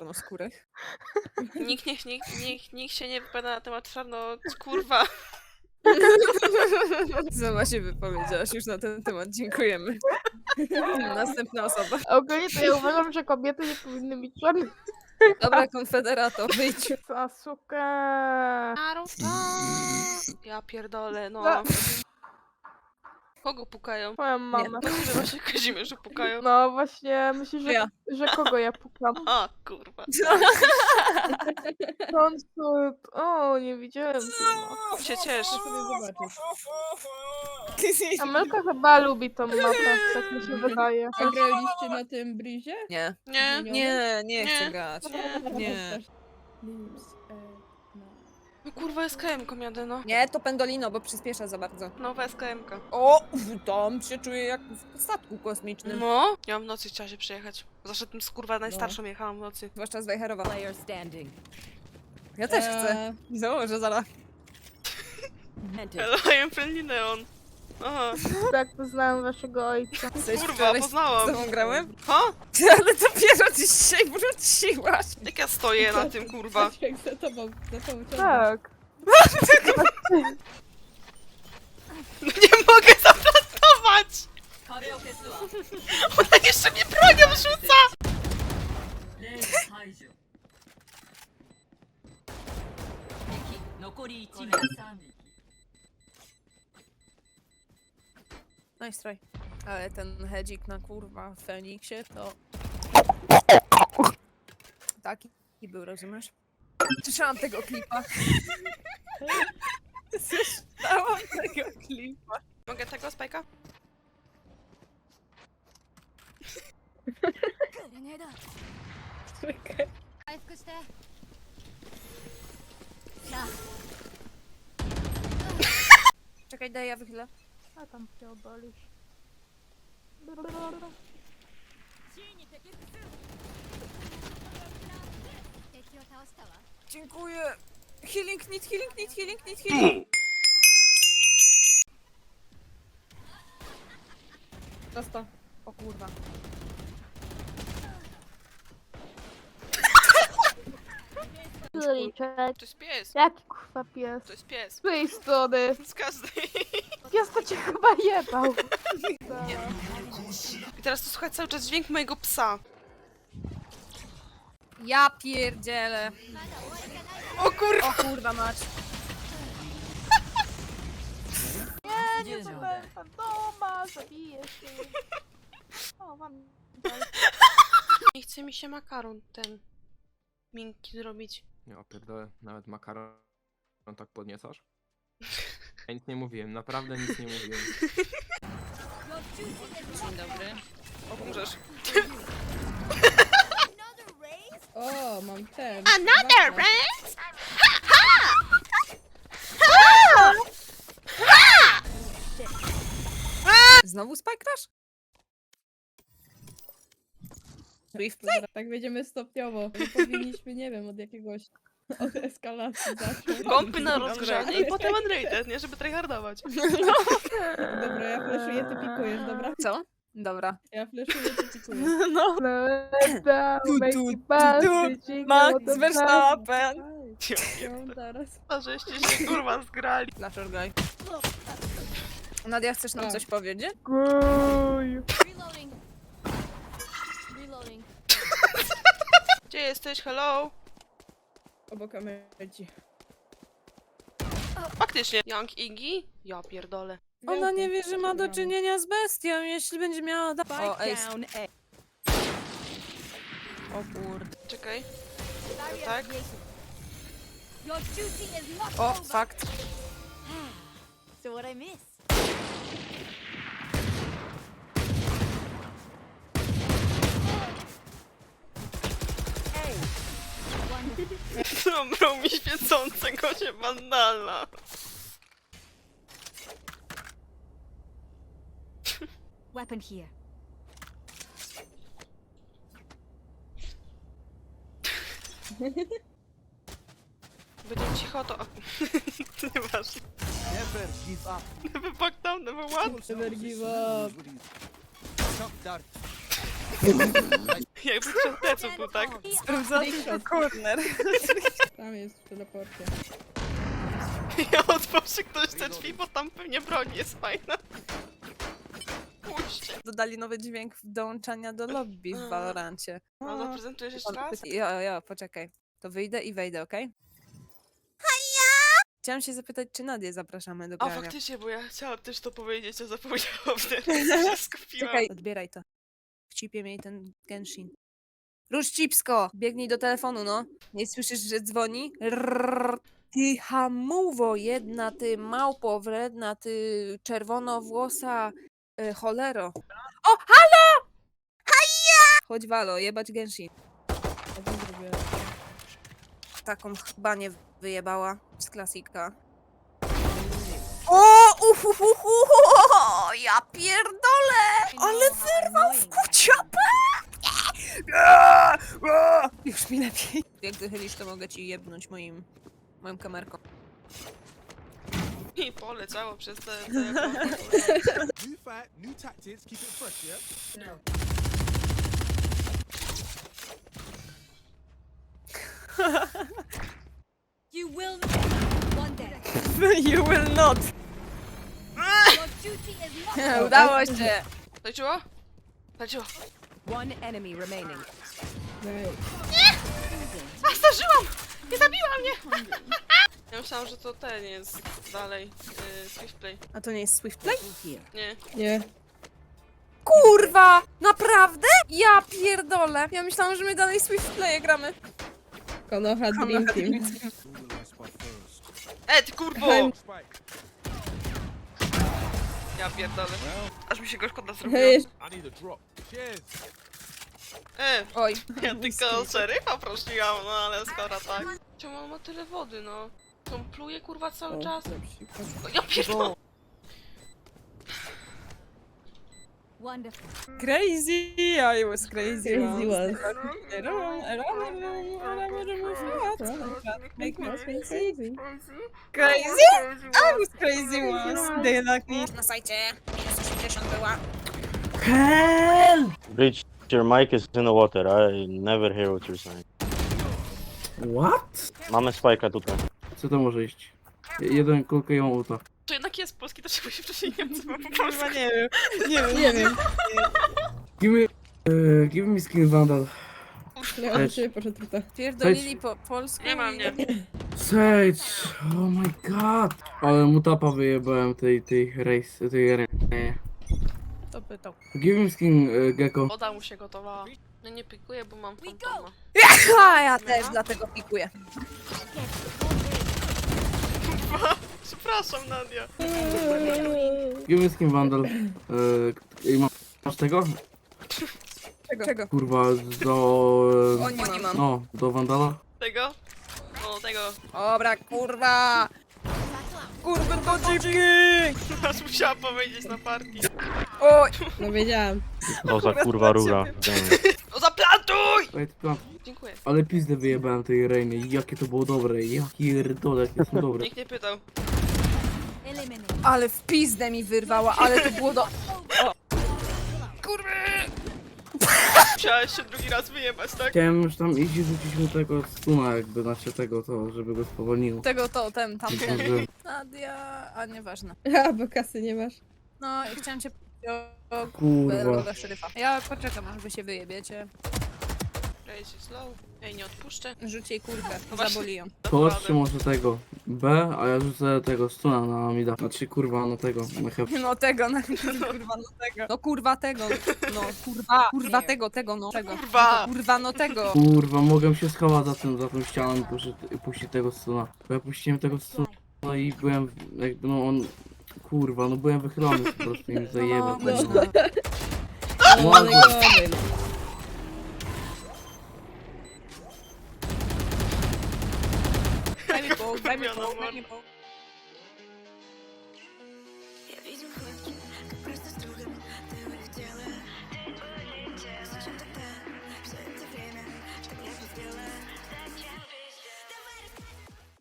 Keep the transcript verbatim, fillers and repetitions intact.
czarnoskórych. Nikt, niech, nikt, nikt, nikt się nie wypowiada na temat czarno... kurwa. Sama się wypowiedziałaś już na ten temat, dziękujemy. Następna osoba. Ogólnie to ja uważam, że kobiety nie powinny mieć czarnych. Dobra, konfederato, wyjdź. Sasuke. Naruto! Ja pierdolę, no. No. Kogo pukają? Moją mamę. Myślę, że właśnie Kazimierzu pukają. No właśnie, myślisz, że, Ja. że kogo ja pukam? A, kurwa. Konsult. O, nie widziałem tego. Się ciesz. Amelka chyba lubi tą mapę, tak mi się wydaje. A graliście na tym brizie? Nie. Nie. Nie, nie chcę Nie. grać. Nie. Nie. Limbs, e, no. No kurwa, S K M-ką jadę, no. Nie, to pendolino, bo przyspiesza za bardzo. Nowa S K M-ka. O, tam się czuję jak w statku kosmicznym. No. Ja w nocy chciała się przejechać. Zawsze tym kurwa najstarszą jechałam w nocy. Zwłaszcza z Wejherowa. Player standing. Ja też chcę. Eee, Założę zaraz. Mental. Hello, I am friendly neon. Aha. Tak poznałem waszego ojca. Coś Kurwa, wczoraj z poznałam. tobą grałem? Ha? Ale dopiero dzisiaj wróciłaś. Jak ja stoję na tym, kurwa. Jak za tobą, za tobą ciągle. Tak. Nie mogę zaplastować! Ona jeszcze mnie bronią rzuca! Nice try. Ale ten hedzik na kurwa w Feniksie to... Taki był, rozumiesz? Słyszałam tego klipa. Słyszałam tego klipa. Mogę tego, Spajka? Czekaj. Czekaj, daj ja wychylę. A tam się obalisz. Dziękuję. Healing, need, healing, need, healing, need, healing. Prosto. O kurwa. Liczek. To jest pies. Jaki kurwa pies? To jest pies. Z tej strony. Z każdej. Pies to cię chyba jebał. I teraz tu słuchać cały czas dźwięk mojego psa. Ja pierdzielę. O kurwa! O kurwa mać. Nie, nie byłem fantoma, zabiję się. O, mam. Nie chce mi się makaron ten miękki zrobić. Ja pierdolę, nawet makaron tak podniecasz? Ja nic nie mówiłem, naprawdę nic nie mówiłem. Dzień dobry. Umrzesz. O, mam ten. Another Ważne. race! Znowu Spike Crash? Swift Dobra, tak będziemy stopniowo. Nie powinniśmy, nie wiem, od jakiegoś... od eskalacji zacząć. Pompy na rozgrzanie i potem unrated, nie? Żeby tryhardować. Dobra, ja fleszuję, ty pikujesz, dobra? Co? Dobra. Ja fleszuję, ty pikujesz. No. Tu, tu, tu, tu. Max Verstappen. Ją teraz. A żeście się kurwa zgrali. Flasher guy. Nadia, chcesz nam Tak. coś powiedzieć? Guj. Reloading. Reloading. Gdzie jesteś? Hello? Obok emerci. Faktycznie. Young Iggy? Ja pierdolę. Ona nie wie, że ma do czynienia z bestią, jeśli będzie miała... Da... O, ej. Down A. O kurde. Czekaj. Tak? Your duty is not O, over. fakt. So what I miss? Hey. Wonderful. Zabrał mi świecącego się bandala. Weapon here. Będzie cicho, to... Nieważne. Never give up. Never back down, never what? Never give up. Stop that. Jakby przed pleców był, tak? Sprawdzam Trickshot. corner. Tam jest w teleporcie. Ja otworzy ktoś te drzwi, bo tam pewnie broń jest fajna. Puśćcie. Dodali nowy dźwięk dołączania do lobby w Valorancie. A zaprezentujesz jeszcze raz? Ja, ja, poczekaj. To wyjdę i wejdę, okej? Chciałam się zapytać, czy Nadię zapraszamy do A grania. faktycznie, bo ja chciałam też to powiedzieć, a zapomniałam teraz, się skupiłam. Czekaj, odbieraj to. Wcipie mi ten Genshin. Rusz cipsko! Biegnij do telefonu, no. Nie słyszysz, że dzwoni? Rrrr. Ty hamuwo jedna, ty małpo wredna, ty czerwonowłosa y, cholero. O, halo! Haja! Chodź Walo, jebać Genshin. A co zrobiłem? Taką chyba nie wyjebała z klasika. O, uhuhuhu, ja pierdolę! Ale wyrwał w kuciapę! Już mi lepiej. Jak wychylisz, to mogę ci jebnąć moim, moją kamerką. I poleciało przez te telefony. New fight, new tactics, keep it fresh, yeah? You will one day. You will not! Your duty is not. Udało się! Leciło? Leciło. One enemy remaining. Daj. A, zdążyłam! Nie zabiła mnie! Ja myślałam, że to ten jest dalej. Yy, Swiftplay. A to nie jest Swiftplay? Here. Nie. Nie. Kurwa! Naprawdę? Ja pierdolę! Ja myślałam, że my dalej Swiftplaye gramy. Konoha Dream Team. E, ty kurwo! Spike. Ja pierdolę. Aż mi się go szkoda zrobiło. Hej, I need a drop. Cheers. E, Oj. ja tylko szeryfa prosiłam, no ale skoro tak. Czemu on ma tyle wody, no? On pluje kurwa cały o, czas. na przykład. No, ja pierdolę. Wonderful. Crazy! I was crazy. Crazy once. Make me crazy. Crazy? I was crazy once. They like me. Na sajcie minus osiemdziesiąt była. Breach, your mic is in the water. I never hear what you're saying. What? Mamy spajka tutaj. Co to może iść? Jeden kulkę i łomuta. To jednak jest polski, to czemu się wcześniej Niemcy po polsku? Chyba nie wiem. Nie wiem. Nie wiem. Give me, uh, give me skin vandal. Nie, on się poszedł tutaj. Pierdolili po polsku. Nie ma i- mnie. Sage! Oh my god! Ale mutapa wyjebałem tej, tej race, tej re... To pytał. Give me skin uh, gecko. Woda mu się gotowała. No nie pikuję, bo mam fantoma. A ja też dlatego pikuję. Przepraszam, Nadia. Give me skin vandal. Uh, ma, masz tego? Czego? Czego? Kurwa, do... O, nie mam. No, do vandala? Tego? O, tego. Dobra, kurwa! Kurwa, do dziki! Aż musiałam powiedzieć na partii. Oj! No wiedziałam. O za kurwa rura. No zaplantuj! Wait, plan. Dziękuję. Ale pizdę wyjebałem tej Reiny. Jakie to było dobre. Jaki pierdolę, jakie są dobre. Nikt nie pytał. Eliminate. Ale w pizdę mi wyrwała, ale to było do... O. Kurwa! Musiałeś się drugi raz wyjebać, tak? Chciałem już tam iść i rzucić mu tego stuna jakby, znaczy tego to, żeby go spowolniło. Tego to, ten, tam. Że- Nadia, a nieważne. A, bo kasy nie masz. No i chciałam cię o, o Kurwa. loga szeryfa. Ja poczekam, aż wy się wyjebiecie. Ej, się slow. Ej, nie odpuszczę. Rzuć jej kurwę, No właśnie. zaboli ją. Chodźcie może tego B, a ja rzucę tego stuna na mida. Znaczy kurwa na tego, na hep. No tego, no kurwa, no tego. No kurwa tego, no kurwa, kurwa tego, tego, no tego. Kurwa! No, kurwa, no tego. Kurwa, mogłem się schować za tym, za tą ścianą i puścić, puścić tego stuna. Bo ja puściłem tego stuna i byłem jakby no on... Kurwa, no byłem wychylony po prostu i mi zajebał. No, tego. no. No, ale gory. Daj mi pół, daj mi pół, daj mi pół. Я видел фотки, как просто